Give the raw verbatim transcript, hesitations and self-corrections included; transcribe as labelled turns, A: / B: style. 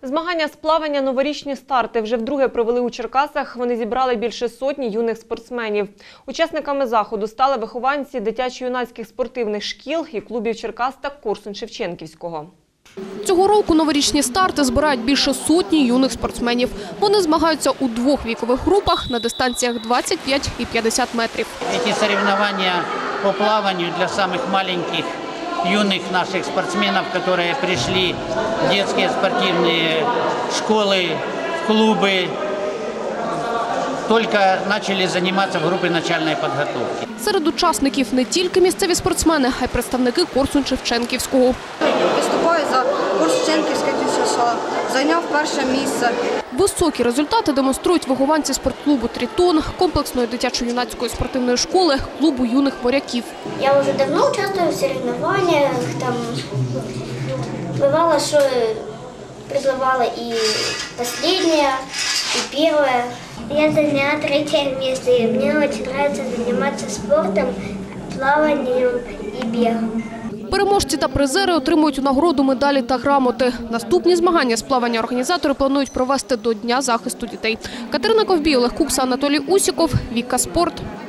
A: Змагання з плавання «Новорічні старти» вже вдруге провели у Черкасах. Вони зібрали більше сотні юних спортсменів. Учасниками заходу стали вихованці дитячо-юнацьких спортивних шкіл і клубів Черкас та Корсунь-Шевченківського.
B: Цього року «Новорічні старти» збирають більше сотні юних спортсменів. Вони змагаються у двох вікових групах на дистанціях двадцять п'ять і п'ятдесят метрів.
C: Ці соревнования по плаванию для самых маленьких юных наших спортсменов, которые пришли в детские спортивные школы, в клубы, только начали заниматься в группе начальной подготовки.
B: Серед учасників не тільки місцеві спортсмени, а й представники Корсунь-Шевченківського.
D: Виступаю за Корсунь-Шевченківське ДЮСШ, зайняв перше місце.
B: Високі результати демонструють вихованці спортклубу «Тритон», комплексної дитячо-юнацької спортивної школи, клубу юних моряків.
E: Я вже давно участвую в соревнованиях, там бывало, що призывала и последняя, и первая. Я заняла третье место, и мне очень нравится заниматься спортом, плаванием и бегом.
B: Переможці та призери отримують у нагороду медалі та грамоти. Наступні змагання з плавання організатори планують провести до Дня захисту дітей. Катерина Ковбій, Олег Кукса, Анатолій Усіков, Віка Спорт.